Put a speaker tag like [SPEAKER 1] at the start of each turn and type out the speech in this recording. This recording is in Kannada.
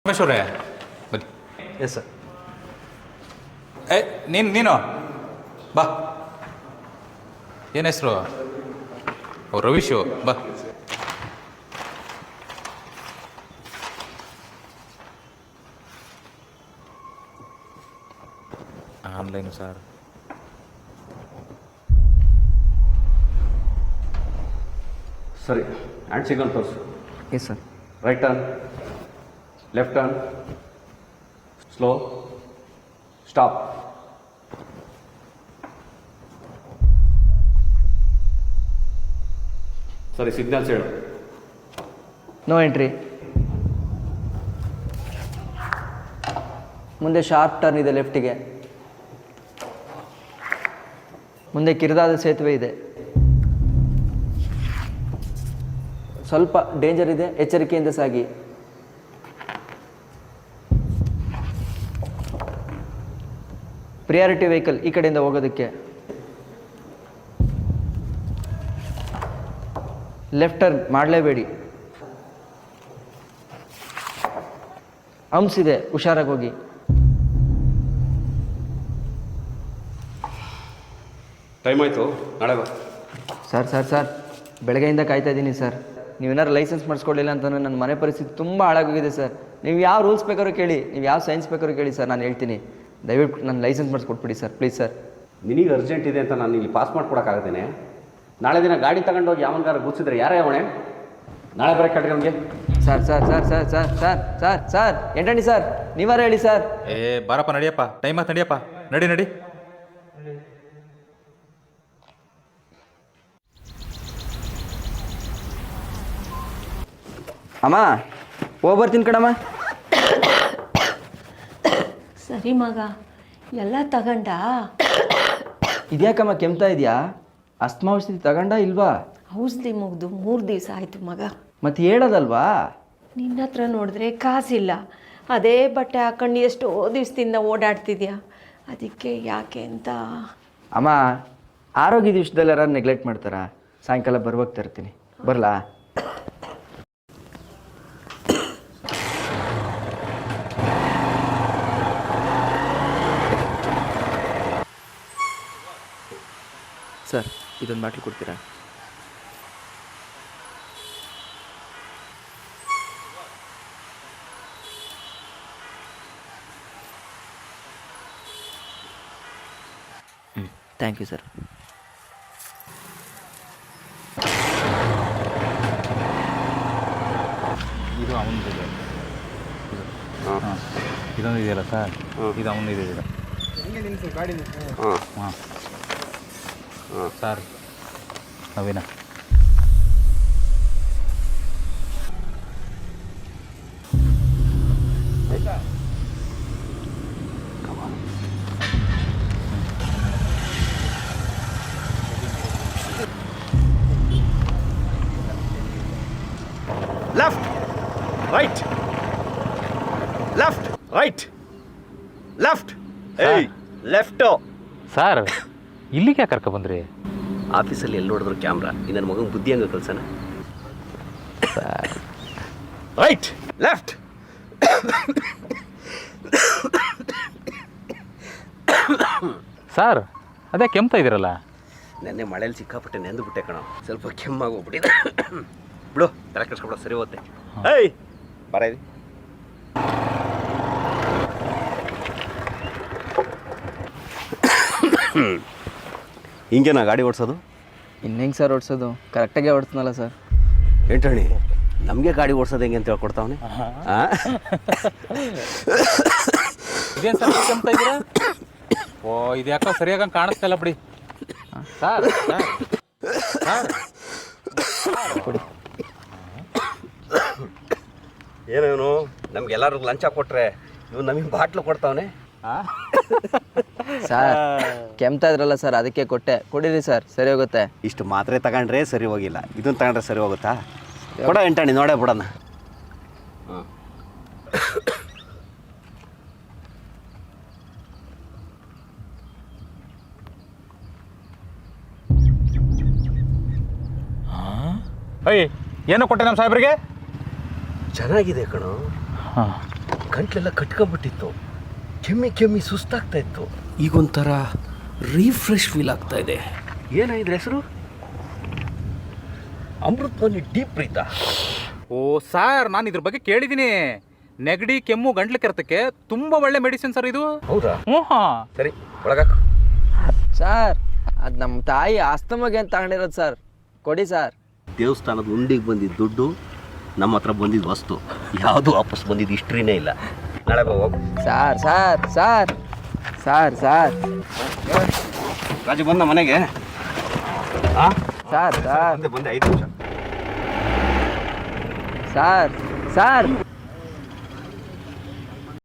[SPEAKER 1] ರಮೇಶ್ವರೇ ಬನ್ನಿ.
[SPEAKER 2] Yes sir.
[SPEAKER 1] ನೀನು ಬಾ. ಏನು ಹೆಸರು? ರವೀಶು ಬಾ. Online sir.
[SPEAKER 2] ಸರಿ, ಹ್ಯಾಂಡ್ ಸಿಗಲ್ ತೋರಿಸು.
[SPEAKER 3] Yes sir.
[SPEAKER 2] Right turn, left turn, slow, stop. ಸರಿ, ಸಿಗ್ನಲ್ಸ್ ಹೇಳು.
[SPEAKER 3] No entry. ಮುಂದೆ ಶಾರ್ಪ್ ಟರ್ನ್ ಇದೆ ಲೆಫ್ಟಿಗೆ. ಮುಂದೆ ಕಿರಿದಾದ ಸೇತುವೆ ಇದೆ. ಸ್ವಲ್ಪ ಡೇಂಜರ್ ಇದೆ, ಎಚ್ಚರಿಕೆಯಿಂದ ಸಾಗಿ. ಪ್ರಿಯಾರಿಟಿ ವೆಹಿಕಲ್ ಈ ಕಡೆಯಿಂದ ಹೋಗೋದಕ್ಕೆ. Left turn ಮಾಡಲೇಬೇಡಿ. ಹಂಪ್ಸ್ ಇದೆ, ಹುಷಾರಾಗಿ ಹೋಗಿ.
[SPEAKER 2] ಟೈಮ್ ಆಯಿತು, ನಾಳೆ ಬಾ.
[SPEAKER 3] ಸರ್ ಬೆಳಗ್ಗೆಯಿಂದ ಕಾಯ್ತಾ ಇದ್ದೀನಿ ಸರ್. ನೀವೇನಾರು ಲೈಸೆನ್ಸ್ ಮಾಡಿಸ್ಕೊಡ್ಲಿಲ್ಲ ಅಂತಂದರೆ ನನ್ನ ಮನೆ ಪರಿಸ್ಥಿತಿ ತುಂಬ ಹಾಳಾಗೋಗಿದೆ ಸರ್. ನೀವು ಯಾವ ರೂಲ್ಸ್ ಬೇಕಾದ್ರೂ ಕೇಳಿ, ನೀವು ಯಾವ ಸೈನ್ಸ್ ಬೇಕಾದ್ರೂ ಕೇಳಿ ಸರ್, ನಾನು ಹೇಳ್ತೀನಿ. ದಯವಿಟ್ಟು ನನ್ನ ಲೈಸೆನ್ಸ್ ಮಾಡಿಸ್ಕೊಟ್ಬಿಡಿ ಸರ್, ಪ್ಲೀಸ್ ಸರ್.
[SPEAKER 2] ನಿನಗೆ ಅರ್ಜೆಂಟ್ ಇದೆ ಅಂತ ನಾನು ಇಲ್ಲಿ ಪಾಸ್ ಮಾಡ್ಕೊಡೋಕ್ಕಾಗತ್ತೇನೆ? ನಾಳೆ ದಿನ ಗಾಡಿ ತಗೊಂಡೋಗಿ ಯಾವನ್ಗಾರ ಗುಚ್ಚಿದ್ರೆ ಯಾರೇ ಅವಣೆ? ನಾಳೆ ಬರೋಕ್ಕೆ ಕಟ್ರಿ ನಮಗೆ. ಸರ್ ಎಂಟಣಿ ಸರ್, ನೀವಾರ ಹೇಳಿ ಸರ್.
[SPEAKER 1] ಬಾರಪ್ಪ, ನಡಿಯಪ್ಪ, ಟೈಮ್ ಆಯ್ತು, ನಡಿಯಪ್ಪ, ನಡಿ.
[SPEAKER 3] ಅಮ್ಮ ಹೋಗ್ಬರ್ತೀನಿ ಕಣಮ್ಮ.
[SPEAKER 4] ಸರಿ ಮಗ, ಎಲ್ಲ ತಗೊಂಡ?
[SPEAKER 3] ಇದ್ಯಾಕಮ್ಮ ಕೆಮ್ತಾ ಇದೆಯಾ? ಅಸ್ತಮಾ ಔಷಧಿ ತಗೊಂಡ ಇಲ್ವಾ?
[SPEAKER 4] ಔಷಧಿ ಮುಗ್ದು 3 ದಿವಸ ಆಯಿತು ಮಗ.
[SPEAKER 3] ಮತ್ತೆ ಹೇಳೋದಲ್ವಾ?
[SPEAKER 4] ನಿನ್ನ ಹತ್ರ ನೋಡಿದ್ರೆ ಕಾಸಿಲ್ಲ, ಅದೇ ಬಟ್ಟೆ ಹಾಕೊಂಡು ಎಷ್ಟೋ ದಿವಸದಿಂದ ಓಡಾಡ್ತಿದ್ಯಾ, ಅದಕ್ಕೆ ಯಾಕೆ ಅಂತ.
[SPEAKER 3] ಅಮ್ಮ, ಆರೋಗ್ಯದ ವಿಷಯದಲ್ಲಿ ಯಾರು ನೆಗ್ಲೆಕ್ಟ್ ಮಾಡ್ತಾರಾ? ಸಾಯಂಕಾಲ ಬರುವಾಗ ತರ್ತೀನಿ, ಬರಲಾ? ಸರ್, ಇದೊಂದು ಬಾಟ್ಲಿ ಕೊಡ್ತೀರಾ? Thank you sir.
[SPEAKER 1] ಇದು ಅವನದು ಇದೆ. ಇದೊಂದು ಇದೆಯಲ್ಲ ಸರ್, ಇದು ಅವನು ಇದೆ. ಹಾಂ sir, Naveena.
[SPEAKER 2] Left right, left right, left. ಏಯ್, ಲೆಫ್ಟು.
[SPEAKER 1] ಸರ್, ಇಲ್ಲಿಗೆ ಯಾಕೆ ಕರ್ಕೊ ಬಂದ್ರಿ?
[SPEAKER 2] ಆಫೀಸಲ್ಲಿ ಎಲ್ಲಿ ನೋಡಿದ್ರು ಕ್ಯಾಮ್ರಾ. ನನ್ನ ಮಗನ ಬುದ್ಧಿ ಹಂಗೆ ಕಲ್ಸನ. Right, left.
[SPEAKER 1] ಸರ್, ಅದೇ ಕೆಮ್ತಾ ಇದ್ದೀರಲ್ಲ?
[SPEAKER 2] ನೆನ್ನೆ ಮಳೇಲಿ ಸಿಕ್ಕಾಪಟ್ಟೆ ನೆಂದುಬಿಟ್ಟೆ ಕಣ, ಸ್ವಲ್ಪ ಕೆಮ್ಮಾಗಿ ಹೋಗ್ಬಿಟ್ಟಿದೆ. ಬಿಡು, ತಲೆ ಕೆಡ್ಸ್ಕೊಬಿಡ, ಸರಿ ಹೋಗುತ್ತೆ. ಏಯ್ ಬರ ಇದು. ಹಿಂಗೇನಾ ಗಾಡಿ ಓಡಿಸೋದು?
[SPEAKER 3] ಇನ್ನೇಂಗೆ ಸರ್ ಓಡಿಸೋದು? ಕರೆಕ್ಟಾಗೆ ಓಡಿಸ್ನಲ್ಲ ಸರ್.
[SPEAKER 2] ಎಂಟಣಿ, ನಮಗೆ ಗಾಡಿ ಓಡಿಸೋದು ಹೆಂಗೆ ಅಂತ ಹೇಳ್ಕೊಡ್ತಾವನೆ.
[SPEAKER 1] ಇದೇನು ಸರ್ ಕೆಮ್ತಾ ಇದ್ದೀರಾ? ಓ, ಇದು ಯಾಕೋ ಸರಿಯಾಗಿ ಕಾಣಿಸ್ತಾ ಇಲ್ಲ ಬಿಡಿ. ಸರ್
[SPEAKER 3] ಕೊಡಿ.
[SPEAKER 2] ಏನೇನು ನಮ್ಗೆಲ್ಲರಿಗೂ ಲಂಚ ಕೊಟ್ರೆ ಇವ್ ನಮಗೆ ಬಾಟ್ಲು ಕೊಡ್ತಾವನೆ.
[SPEAKER 3] ಸರ್, ಕೆಮ್ತಾ ಇದ್ರಲ್ಲ ಸರ್, ಅದಕ್ಕೆ ಕೊಟ್ಟೆ. ಕೊಡಿರಿ ಸರ್, ಸರಿ ಹೋಗುತ್ತೆ.
[SPEAKER 2] ಇಷ್ಟು ಮಾತ್ರೆ ತಗೊಂಡ್ರೆ ಸರಿ ಹೋಗಿಲ್ಲ, ಇದನ್ನು ತಗೊಂಡ್ರೆ ಸರಿ ಹೋಗುತ್ತಾ? ಕೊಡ ಎಂಟಣಿ, ನೋಡೇ ಬಿಡೋಣ.
[SPEAKER 1] ಅಯ್ಯ, ಏನು ಕೊಟ್ಟೆ ನಮ್ಮ ಸಾಹೇಬ್ರಿಗೆ?
[SPEAKER 2] ಚೆನ್ನಾಗಿದೆ ಕಣೋ.
[SPEAKER 1] ಹಾಂ,
[SPEAKER 2] ಗಂಟ್ಲೆಲ್ಲ ಕಟ್ಕೊಂಡ್ಬಿಟ್ಟಿತ್ತು, ಕೆಮ್ಮಿ ಕೆಮ್ಮಿ ಸುಸ್ತಾಗ್ತಾ ಇತ್ತು.
[SPEAKER 5] ಈಗೊಂಥರ ರೀಫ್ರೆಶ್ ಫೀಲ್ ಆಗ್ತಾ ಇದೆ.
[SPEAKER 2] ಏನಾಯಿದ್ರ ಹೆಸರು? ಅಮೃತವಾಣಿ ಡೀಪ್ ಪ್ರೀತ.
[SPEAKER 1] ಓ ಸರ್, ನಾನು ಇದ್ರ ಬಗ್ಗೆ ಕೇಳಿದ್ದೀನಿ. ನೆಗಡಿ, ಕೆಮ್ಮು, ಗಂಟ್ಲು ಕೆರೆತಕ್ಕೆ ತುಂಬ ಒಳ್ಳೆ ಮೆಡಿಸಿನ್ ಸರ್ ಇದು.
[SPEAKER 2] ಹೌದಾ?
[SPEAKER 1] ಹ್ಞೂ ಹಾಂ.
[SPEAKER 2] ಸರಿ, ಒಳಗಾಕು.
[SPEAKER 3] ಸರ್ ಅದು ನಮ್ಮ ತಾಯಿ ಆಸ್ತಮಗೆ ಅಂತ ತಗೊಂಡಿರೋದು ಸರ್, ಕೊಡಿ ಸರ್.
[SPEAKER 2] ದೇವಸ್ಥಾನದ ಉಂಡಿಗೆ ಬಂದಿದ್ದ ದುಡ್ಡು, ನಮ್ಮ ಹತ್ರ ಬಂದಿದ್ದ ವಸ್ತು ಯಾವುದು ವಾಪಸ್ ಬಂದಿದ್ದು ಹಿಸ್ಟ್ರಿನೇ ಇಲ್ಲ. ನಾಳೆ ಹೋಗು.
[SPEAKER 3] Sir sir sir sir sir
[SPEAKER 2] Raju ಬಂದ ಮನೆಗೆ? ಹಾಂ
[SPEAKER 3] ಸರ್ ಸರ್
[SPEAKER 2] ಬಂದೆ 5 ನಿಮಿಷ.
[SPEAKER 3] Sir sir